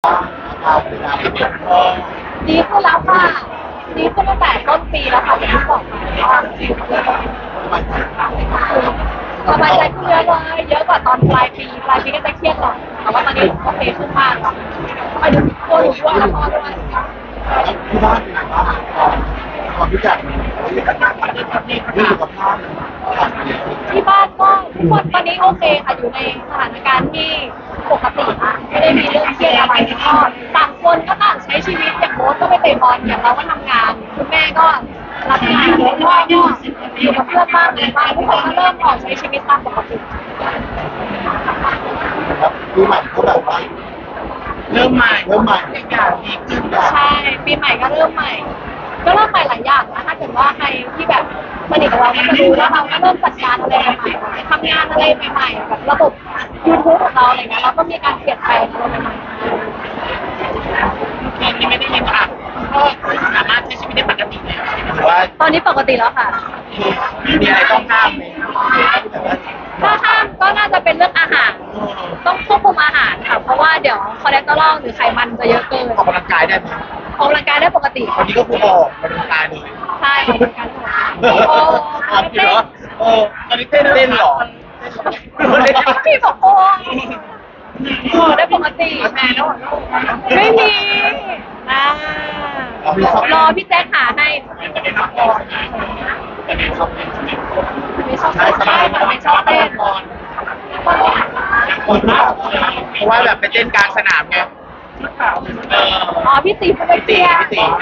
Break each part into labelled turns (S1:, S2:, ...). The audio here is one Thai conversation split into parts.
S1: ดีขึ้นแล้วค่ะดีขึ้นตั้งแต่ต้นปีแล้วค่ะอย่างที่บอกไปว่าสบายใจขึ้นเยอะเลยเยอะกว่าตอนปลายปีก็จะเครียดหน่อยแต่ว่าตอนนี้โอเคขึ้นมากค่ะไปดูตัวหนูด้วยแล้วพ่อด้วย
S2: ที่บ้านเป็นไงบ้างความรู้จักมีสุขภาพ
S1: ที่บ้านก็ทุกคนตอนนี้โอเคค่ะอยู่ในสถานการณ์ที่ปกตินะไม่ได้มีเรื่องเครียดอะไรก็ต่างคนก็ต่างใช้ชีวิตอย่างโบ๊ทก็ไปเตะบอลอย่างเราก็ทำงานคุณแม่ก็รับงานแล้วก็อยู่กับเพื่อนบ้างอะไรบ้างทุกคนก็เริ่มออกใช้ชีวิตตามปกติ
S2: ปีใหม่ก็แบบว่าเริ่มใหม่อย่างดีขึ้น
S1: ใช่ปีใหม่ก็เริ่มใหม่หลายอย่างนะถ้าเกิดว่าใครที่แบบสนิทกับเราก็จะรู้ว่าเราก็เริ่มจัดการอะไรใหม่ๆทำงานอะไรใหม่ๆแบบระบบ YouTube ของเราอะไรเงี้ยเราก็มีการเปลี่ยนแปลงอะไรใหม่
S3: ๆที่ไม่ได้ยินค่ะก็สามารถใช้ชีวิตได้ปกติแล้วหรือว่า
S1: ตอนนี้ปกติแล้วค่ะ
S3: มีอะไรต้องห้ามไหม
S1: ถ้าห้ามก็น่าจะเป็นเรื่องอาหารต้องควบคุมอาหารค่ะเพราะว่าเดี๋ยวคอเลสเตอรอลหรือไขมันจะเยอะเกิน
S3: ออกกำลังกายได้ไหม
S1: ออกกำลังกายได้ปกติ
S3: วันนี้ก็คือออกกำลังกายเลย
S1: ใช่ออกกำลังกาย
S3: โอ้เต้นตอนนี้เต้นหรอ
S1: พี่บอกโอ้ได้ปกติ
S3: แม่แล้ว
S1: ไม่มีรอพี่แจ๊คหาให้ไม่ชอบเต้นใช่ค่ะไม่ชอบเต้น
S3: เพราะว่าแบบไปเต้นกลางสนามไง
S1: อ๋อพี่ตีพูดเตี้ย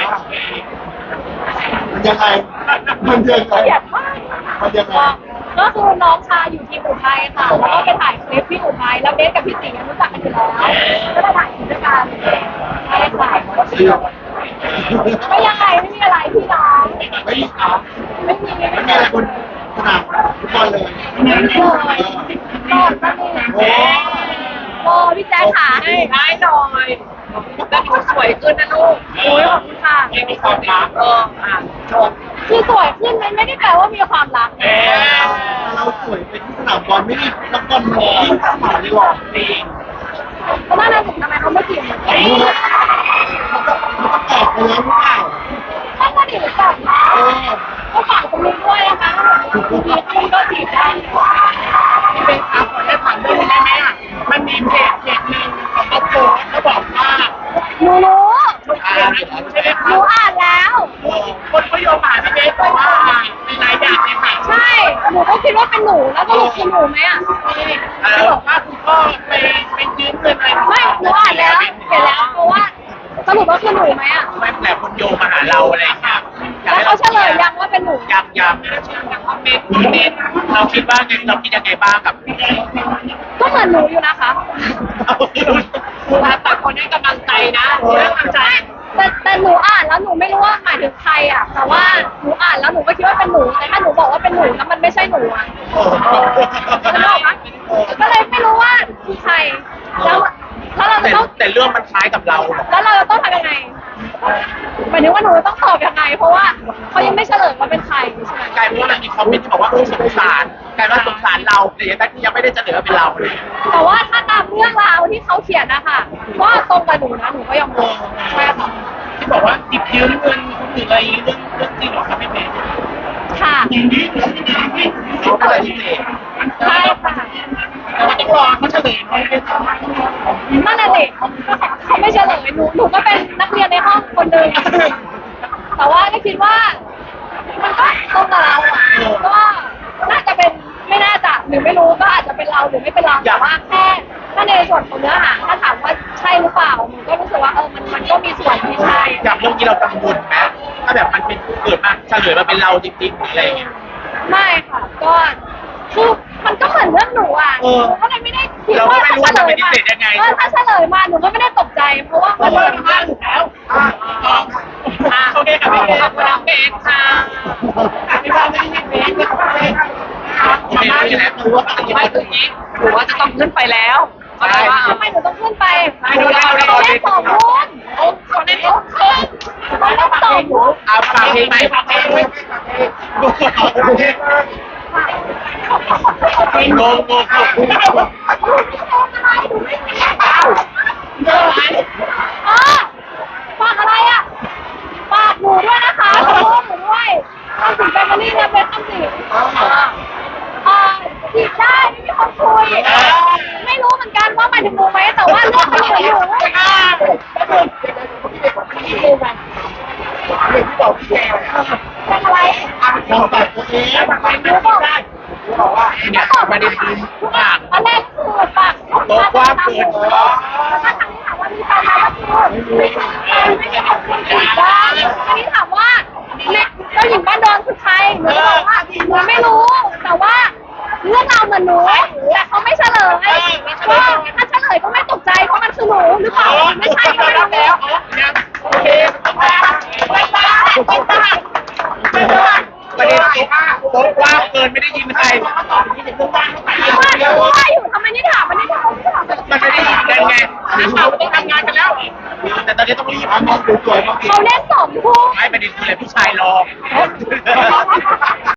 S2: มันยังไงมันยังไง
S1: ก็คือน้องชายอยู่ที่อุทัยค่ะแล้วก็ไปถ่ายคลิปที่อุทัยแล้วเบสกับพี่ตีรู้จักกันอยู่แล้วก็ได้ถ่ายคลิปด้วยกันใช่ค่ะไม่ยังไงไม่มีอะไรพี่น้อง
S2: ไม่มีครับ
S1: ไม่มี
S2: อะไรคุณสนามฟุตบอลเลย
S1: ไม่เลยก่อนก็มีโอ้พี่แจ๊คขาให้ได้หน่อยแล้วหนูสวยขึ้นนะลูกโอ้ยขอบคุณค่ะ
S3: มีความรัก
S1: ชมคือสวยขึ้นมันไม่ได้แปลว่ามีความรัก
S2: เราสวยไปที่สนามบอลไม่ได้นักบอลหล่อข้าหมาดีหรอ
S3: ดี
S1: เพราะว่าเราถึงทำไมเขาไม่จีบมัน
S2: แตกไปแล้วหรือเปล่า
S1: ถ้าก็ดีหรือเปล่าก็ฝากตรงนี้ด้วยนะคะทีคุณก็จีบได้
S3: ที่เป็นครับขอได้ผ่านด้วยได้ไหมอ่ะมันมีเพจหนึ่งเขาโพสเขาบอกว่า
S1: หนูรู้
S3: ใช่ไหม
S1: หนูอ่านแล้ว
S3: คนเขาโยงผ่านพี่เบสบอกว่าในหลายอย่างเลยค่ะ
S1: ใช่หนูก็คิดว่าเป็นหนูแล้วก็คือหนูไหมอ่ะ
S3: เขาบอกว่าคุณพ่อไปยืมเงินอะไร
S1: ไม่หนูอ่านแล้วเห็นแล้วเพราะว่าสรุปว่าคือหนูไหมอ่ะ
S3: ไม่แต่คนโยงมาหาเราอะไรอย่างเงี้ย
S1: แล้วเขาเฉลยยังว่าเป็นหนู
S3: ยังเมนเราคิดว่าไงเราคิดยังไงบ้างกับ
S1: ก็เหมือนหนูอยู่นะคะ
S3: แต่คนให้กำลังใจนะให้กำลังใจ
S1: แต่หนูอ่านแล้วหนูไม่รู้ว่าหมายถึงใครอ่ะแต่ว่าหนูอ่านแล้วหนูก็คิดว่าเป็นหนูแต่ถ้าหนูบอกว่าเป็นหนูแล้วมันไม่ใช่หนูอ่ะก็เลยไม่รู้ว่าคือใครแล้วเราจะต้อง
S3: แต่เรื่องมันคล้ายกับเรา
S1: แล้วเราจะต้องทำยังไงหมายถึงว่าหนูต้องตอบยังไงเพราะว่าเขายังไม่เฉลยว่าเป็นใครใช่ไหม
S3: กลายเป็นว่ามีคอมเมนต์ที่บอกว่าสงสารกลายว่าสงสารเราแต่ยังไม่ได้เฉลยว่าเป็นเราเลย
S1: แต่ว่าถ้าตามเรื่องราวที่เขาเขียนนะคะว่าตรงกับหนูนะหนูก็ยอมรับใช่ค่ะ
S3: ที่บอกว่าติดยืมเงินคนอื่นอะไรเรื่องจริงหรอครับพี่เมย์
S1: ค่ะ
S3: เขาอะไรที่เมย์
S1: ใช่ค่ะ
S3: แต่ว่าต้องรอเขาเฉลย
S1: นั่นแหละสิเขาไม่เฉลยหนูก็เป็นนักเรียนในห้องคนหนึ่งแต่ว่าก็คิดว่ามันก็ตรงกับเราอ่ะก็น่าจะเป็นไม่น่าจะหรือไม่รู้ก็อาจจะเป็นเราหรือไม่เป็นเราแต่ว่าแค่ถ้าในส่วนของเนื้อหาถ้าถามว่าใช่หรือเปล่าหนูก็รู้สึกว่ามันก็มีส่วนที่ใช่
S3: จากเรื่องที่เรากังวลไหมถ้าแบบมันเป็นเกิดมาเฉลยมาเป็นเราจริงๆอะไรอย่างเงี้ย
S1: ไม่ค่ะก็คือมันก็เหมือนเรื่องหนูอ่ะหนูก็เลยไม่ได้คิดว่าถ้าเฉลยมาถ้าเฉลยมาหนูก็ไม่ได้ตกใจเพราะว่ามันเป็นเรื่องอยู่แล้ว
S3: โอเคค่ะพี่ขอบคุณน้องเบสค่ะพี่บ้านไม่ได้เบสทำไมอยู่แล้วรู้ว่าปฏิบัติตรงนี้หรือว่าจะต้องขึ้นไปแล้ว
S1: ทำไมหนูต้องขึ้นไป
S3: ดูเรา
S1: เล่น2 คน
S3: เขาเล่น2 คน
S1: เขาเล่น2 คน
S3: เอาฝากเพลงไหมฝากเพลงงงประเด็นคือปาก
S1: อันแรกคือปาก
S3: โตกว้างเกิน
S1: แล้วก็ถามว่ามีแฟนไหมก็คือไม่ใช่คนคุยกันอันนี้ถามว่าเนี่ยเจ้าหญิงบ้านดอนคือใครหนูบอกว่าหนูไม่รู้ แต่ว่าเรื่องราวเหมือนหนูแต่เขาไม่เฉลยก็ถ้าเฉลยก็ไม่ตกใจเพราะมันคือหนูหรือเปล่าไม่ใช่ก็ไม่รู้แล้ว
S3: โอเคไม่ตาประเด็นโต๊ะกว้างเกินไม่ได้ยินใคร
S1: ว่าอยู่ทำไมไม่ถามมันไม่ถาม
S3: มันไม่ได้ยินกันไงนักข่าวไม่ต้องทำงานกันแล้ว แต่ตอนนี้ต้องรีบ
S2: มองสวยๆมอง
S1: เขาเล่น2 ทุ่ม
S3: ไม่ประเด็นคืออะไรผู้ชายรอ